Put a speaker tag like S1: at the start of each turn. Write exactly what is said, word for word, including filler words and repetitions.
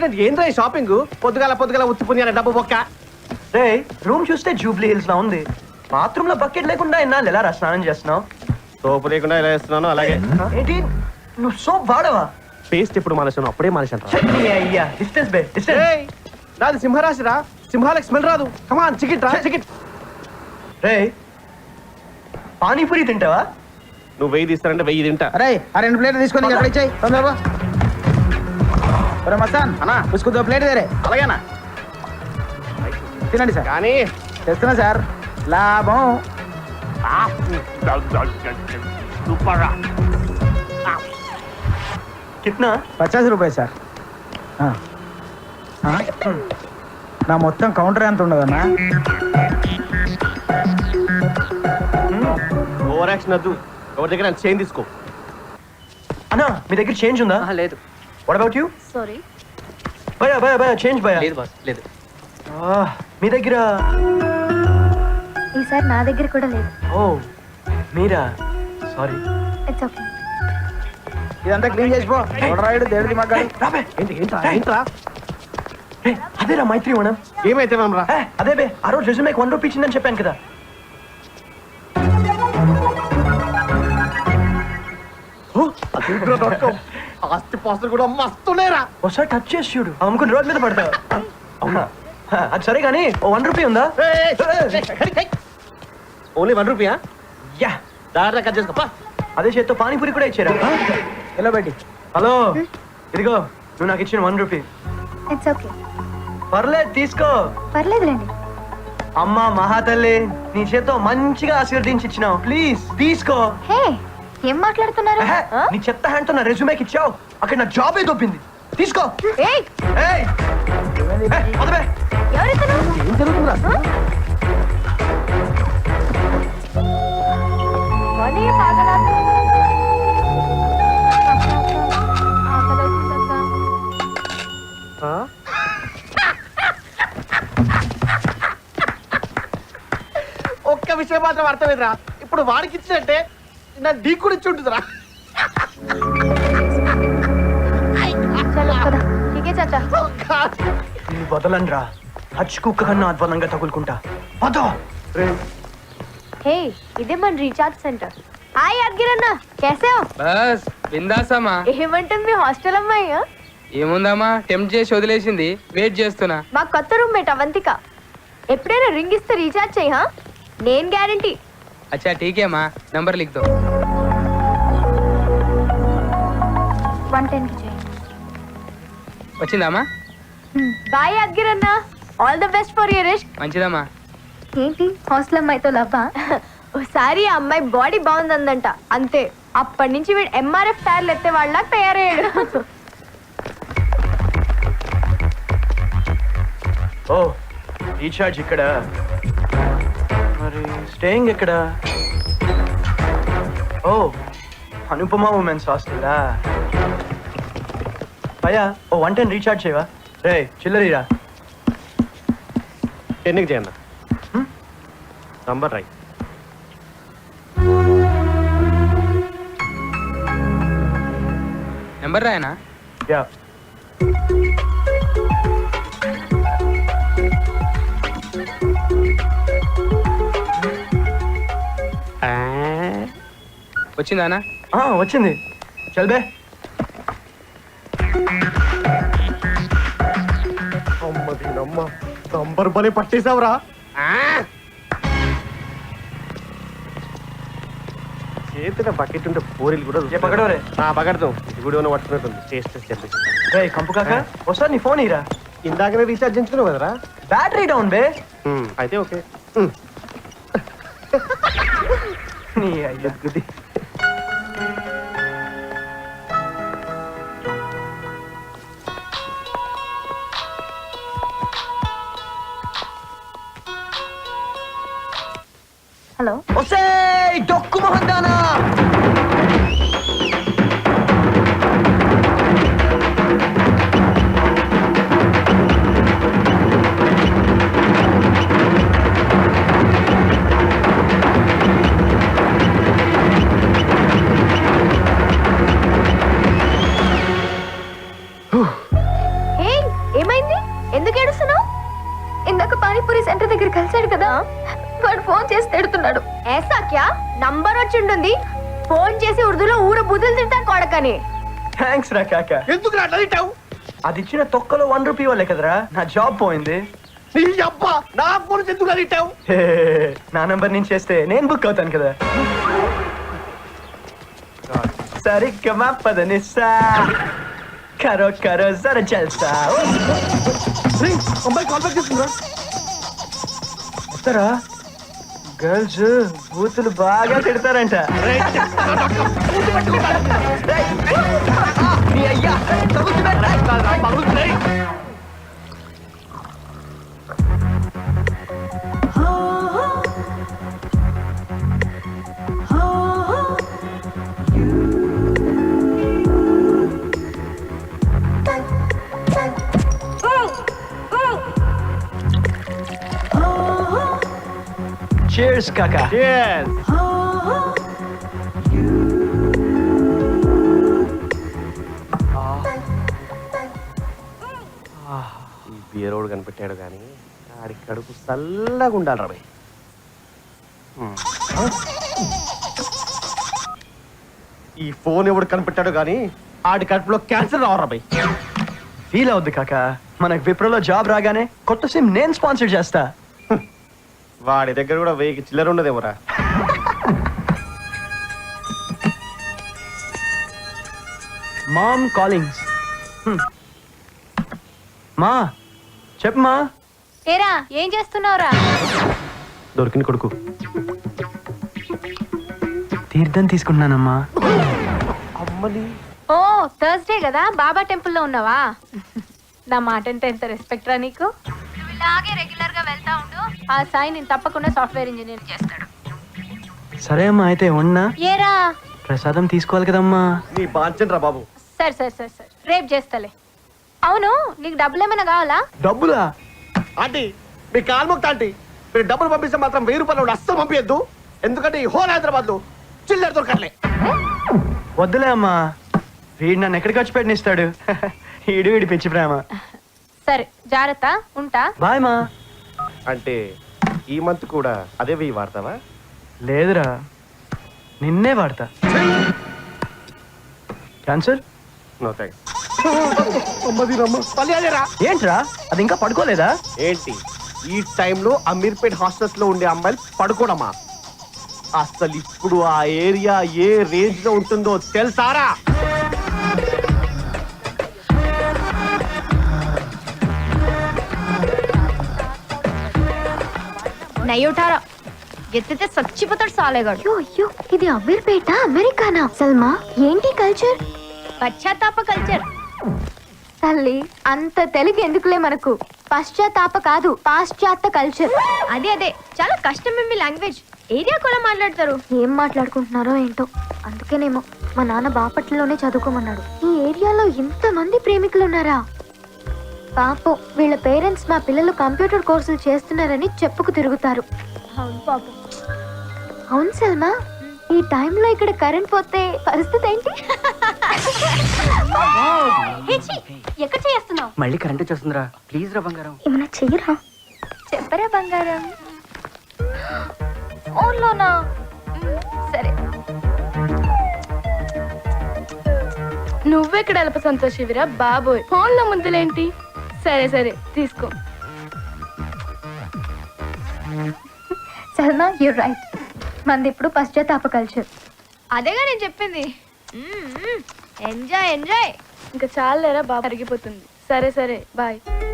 S1: ఏంద్రా ఈ షాపింగ్? పొద్దుగాల పొద్దుగాల ఉత్తి పుణ్యాల డబ్బు బొక్క.
S2: రే రూమ్ చూస్తే జూబ్లీ హిల్స్ లా ఉంది. బాత్రూమ్ లో బకెట్ లేకుండా ఎన్నాళ్ళు ఎలా రా స్నానం చేస్తున్నావు?
S1: సోపు లేకుండా ఇలా వేస్తున్నాను అలాగే.
S2: ఏంటి నువ్వు సోప్ వాడవా?
S1: పేస్ట్ ఇప్పుడు మనిషి అప్పుడే మనిషి అంట.
S2: అయ్యా డిస్టెన్స్ బే డిస్టెన్స్.
S1: నాది సింహరాశి రా, సింహాలకు స్మెల్ రాదు. కమాన్ చికెట్ రా చికెట్.
S2: రే పానీపూరి తింటావా?
S1: నువ్వు వెయ్యి తీస్తానంటే వెయ్యి తింటా.
S3: అరే ఆ రెండు ప్లేట్లు తీసుకొని ఎక్కడ ఇచ్చాయి తొందరగా. మస్తాన్
S1: అన్నా
S3: ఉసుకు ప్లేట్ వేరే.
S1: అలాగేనా
S3: తినండి సార్.
S1: కానీ
S3: తెస్తున్నా సార్. లాభం
S2: కిట్నా?
S3: పచాస్ రూపాయలు సార్. నా మొత్తం కౌంటర్ ఎంత ఉండదన్నా?
S1: ఓవర్ యాక్షన్ వద్దు. ఎవరి దగ్గర చేంజ్ తీసుకో.
S2: అన్నా మీ దగ్గర చేంజ్ ఉందా?
S4: లేదు.
S2: What about you?
S5: సారీ
S2: భయ భయ భయ చేంజ్ భయ.
S4: లేదు బాస్ లేదు.
S2: మీ దగ్గర?
S5: ఈసారి నా దగ్గర కూడా లేదు.
S2: ఓ మీరా? సారీ.
S5: It's okay.
S3: ఇదంతా క్లీన్ చేసిపో. రాయుడు దేవుడి మగ్గాడు.
S2: రాబే
S1: ఏంటి ఏంట్రా ఏంట్రా?
S2: రే అదేరా మైత్రి మనం.
S1: ఏమైతే మనం రా.
S2: అదే బే ఆ రోజు రెజ్యూమేకి వన్ రూపీ ఇచ్చిందని చెప్పాను కదా.
S1: ఆస్తి పాస్తులు కూడా మస్తున్నాయిరా.
S2: ఒకసారి టచ్ చేసి చూడు, అమ్ముకుని రోడ్ మీద పడతావు. అవునా? అది సరే కానీ ఓ వన్ రూపీ ఉందా?
S1: ఓన్లీ వన్ రూపీయా?
S2: యా
S1: దాంట్లో కట్ చేసుకో.
S2: అదే చేత్తో పానీపూరి కూడా ఇచ్చారా?
S3: ఎలా పెట్టి?
S2: హలో ఇదిగో నువ్వు నాకు ఇచ్చిన వన్ రూపీ.
S5: It's okay.
S2: పర్లేదు తీసుకో.
S5: పర్లేదులేండి.
S2: అమ్మా మహాతల్లి నీ చేత్తో మంచిగా ఆశీర్వదించి ఇచ్చినావు. ప్లీజ్ తీసుకో.
S5: హే ఏం మాట్లాడుతున్నారు?
S2: ఎహె, నీ చెత్త హ్యాండ్ తో నా రెజ్యూమేకి ఇచ్చావు. అక్కడ నా జాబ్ ఏ దొబ్బింది. తీసుకో.
S5: ఏయ్
S2: ఏయ్ ఏ, వదలే.
S5: ఎవరితను?
S1: ఏం జరుగుతుందిరా?
S5: వనే పాగలా. ఆకలవుతుందక్క.
S1: ఒక్క విషయం మాత్రం అర్థమైందిరా. ఇప్పుడు వాడికి ఇచ్చినట్టే నా డీ కూడా ఇచ్చి ఉంటుందిరా.
S5: చలో కదా. ఠీకే చాచా.
S2: నీ వదలనరా. హచ్ కుక్క కన్నా అధ్వానంగా తగులుకుంటా. వదో.
S5: హే ఇదే మన రీఛార్జ్ సెంటర్. హాయ్ అగ్గిరన్న कैसे हो?
S4: బస్ బిందాసమ్మా.
S5: ఏమంటుంది మీ హాస్టల్ అమ్మాయి?
S4: ఏముందమ్మా టెంప్ట్ చేసి వదిలేసింది. వెయిట్ చేస్తున్నా.
S5: మా కొత్త రూమ్మేట్ అవంతిక. ఎప్పుడైనా రింగ్ ఇస్తే రీఛార్జ్ చేయి. హా నేను గ్యారంటీ.
S4: అచ్చా ఠీకేమా నంబర్ లిఖ్ దో.
S5: వన్ టెన్ కి చేయి.
S4: వచ్చిందమ్మా?
S5: బాయ్ అగ్గిరన్న. All the best for your risk.
S4: మంచిదమ్మా.
S5: ఏంటి హాస్టల్ అమ్మాయితో లవ్వా? ఓసారి ఆ అమ్మాయి బాడీ బాగుందందంట. అంతే అప్పటి నుంచి వీడు ఎంఆర్ఎఫ్ టైర్లు ఎత్తే వాళ్ళ తయారయ్యాడు.
S2: ఓ రీఛార్జ్ ఇక్కడ. మరి స్టేయింగ్ ఎక్కడ? ఓ అనుపమ ఉమెన్స్ హాస్టలా. భయ్యా ఓ వన్ టెన్ రీఛార్జ్ చేయవా? రే చిల్లరీరా.
S1: ఎన్నికి చేయండి నంబర్ రైట్.
S4: నెంబర్ రాయనా?
S2: యా
S4: వచ్చిందానా?
S2: వచ్చింది. చల్ బే.
S1: అమ్మది నమ్మ నంబర్ బలి పట్టేసావురా. చేతిలో బకెట్ ఉంటే పూరీలు కూడా
S2: ఏ పకడోరే.
S1: పకడతాం. ఇది కూడా పట్టుకున్నట్టుంది. టేస్ట్ చెప్పేసి.
S2: రే కంపు కాక ఒకసారి నీ ఫోన్ ఇరా.
S1: ఇందాకనే రీఛార్జ్ చేయించుకున్నావు కదరా.
S2: బ్యాటరీ డౌన్ బే.
S1: అయితే ఓకే.
S2: నీ అయ్యా గుది.
S5: హలో
S2: ఒసే డొక్కు మొహందానా.
S5: ఇందాక పానీపూరి సెంటర్ దగ్గర కలిసాడు కదా వాడు ఫోన్ చేసి తిడుతున్నాడు. ఏసా క్యా నంబర్ వచ్చి ఉంటుంది, ఫోన్ చేసి ఉర్దూలో ఊర బుద్ధులు తింటా కొడకని.
S2: థ్యాంక్స్ రా కాక.
S1: ఎందుకు అట్లా తిట్టావు?
S2: అది ఇచ్చిన తొక్కలో వన్ రూపీ వాళ్ళే కదరా నా జాబ్ పోయింది.
S1: నీ అబ్బా నా ఫోన్ ఎందుకు తిట్టావు?
S2: హే, నా నంబర్ నుంచి చేస్తే నేను బుక్ అవుతాను కదా. సరిగ్గా పదనిస్తా కరో కరో జర జల్సా.
S1: అమ్మాయి కాల్ బ్యాక్ చేస్తుందా?
S2: వస్తారా? గర్ల్స్ బూతులు బాగా తిడతారంట. నీ అయ్యా Cheers, Kaka.
S1: Yes. ఈ బీరోడు కనిపెట్టాడు కానీ ఆడి కడుపు చల్లగా ఉండాలి రాబాయ్. ఈ ఫోన్ ఎవడు కనిపెట్టాడు కానీ ఆడి కడుపులో క్యాన్సర్ రావు రాబాయ్.
S2: ఫీల్ అవుద్ది కాక, మనకు విప్రోలో జాబ్ రాగానే కొత్త సిమ్ నేను స్పాన్సర్ చేస్తా.
S1: వాడి దగ్గర కూడా వెయ్యికి చిల్లర ఉండదేమోరా.
S2: మామ్ కాలింగ్స్. మా చెప్పమా.
S5: ఏరా ఏం చేస్తున్నావురా?
S1: దొరికిన కొడుకు
S2: తీర్థం తీసుకుంటున్నానమ్మా.
S1: అమ్మని
S5: ఓ థర్స్డే కదా బాబా టెంపుల్లో ఉన్నావా? నా మాట అంటే ఎంత రెస్పెక్ట్ రా నీకు. నువ్వు ఇలాగే రెగ్యులర్ గా వెళ్తా ఉండు, ఆ సాయి నేను తప్పకుండా సాఫ్ట్వేర్ ఇంజనీర్ చేస్తాడు.
S2: సరే అమ్మా, అయితే ఉన్నా
S5: ఏరా
S2: ప్రసాదం తీసుకోవాలి కదమ్మా.
S1: నీ బాంచన్ రా బాబు.
S5: సరే సరే సరే సరే రేపు చేస్తలే. అవును నీకు డబ్బులు ఏమైనా కావాలా?
S2: డబ్బులా?
S1: ఆంటీ మీ కాల్మొక్త ఆంటీ, మీరు డబ్బులు పంపిస్తే మాత్రం వెయ్యి రూపాయలు అస్సలు పంపించద్దు. ఎందుకంటే ఈ హోల్ హైదరాబాద్ లో చిల్లర దొరకట్లే.
S2: వద్దులే అమ్మా, వీడు నన్ను ఎక్కడికి వచ్చి పెట్టినిస్తాడు. ఈడు వీడి పిచ్చి ప్రేమ.
S5: సరే జాగ్రత్త, ఉంటా.
S2: బాయ్ మా.
S1: అంటే ఈ మంత్ కూడా అదే వెయ్యి వాడతావా?
S2: లేదురా, నిన్నే వాడతా. క్యాన్సర్?
S1: No thanks.
S2: ఏంట్రా అది ఇంకా పడుకోలేదా?
S1: ఏంటి ఈ టైంలో అమీర్పేట్ హాస్టల్స్ లో ఉండే అమ్మాయిలు పడుకోవడమా? అసలు ఇప్పుడు ఆ ఏరియా ఏ రేంజ్ లో ఉంటుందో తెలుసారా?
S5: నయ్యోటారా ఎత్తితే చచ్చిపోతాడు సాలేగాడు. అయ్యో అయ్యో ఇది అమీర్పేట అమెరికానా? సల్మా ఏంటి కల్చర్? పశ్చాత్తాప కల్చర్. తల్లి అంత తెలుగు ఎందుకులే మనకు. పశ్చాత్తాప కాదు పాశ్చాత్య కల్చర్. అదే అదే చాలా కష్టం మీ లాంగ్వేజ్. ఏరియా కూడా మాట్లాడతారు. ఏం మాట్లాడుకుంటున్నారో ఏంటో. అందుకేనేమో మా నాన్న బాపట్లలోనే చదువుకోమన్నాడు. ఈ ఏరియాలో ఇంత మంది ప్రేమికులు ఉన్నారా? పాపం వీళ్ళ పేరెంట్స్ మా పిల్లలు కంప్యూటర్ కోర్సులు చేస్తున్నారని చెప్పుకు తిరుగుతారు. అవును పాపం. అవును సల్మా, ఈ టైంలో ఇక్కడ కరెంట్ పోతే పరిస్థితి ఏంటి? ఎక్కడ చేస్తున్నావు?
S2: మళ్ళీ కరెంట్ వచ్చేస్తుందిరా, ప్లీజ్ రా బంగారం.
S5: ఏమన్నా చెయ్యరా? చెప్పరా బంగారం. ఫోన్లోనా? సరే.
S6: నువ్వెక్కడ అల్ప సంతోషివిరా బాబోయ్, ఫోన్లో ముందులేంటి? సరే సరే తీసుకో.
S5: సల్మా యూ రైట్, మంది ఇప్పుడు పశ్చాత్తాప కల్చర్. అదేగా నేను చెప్పింది. Enjoy enjoy.
S6: ఇంకా చాలేరా బాబు అరిగిపోతుంది. సరే సరే బాయ్.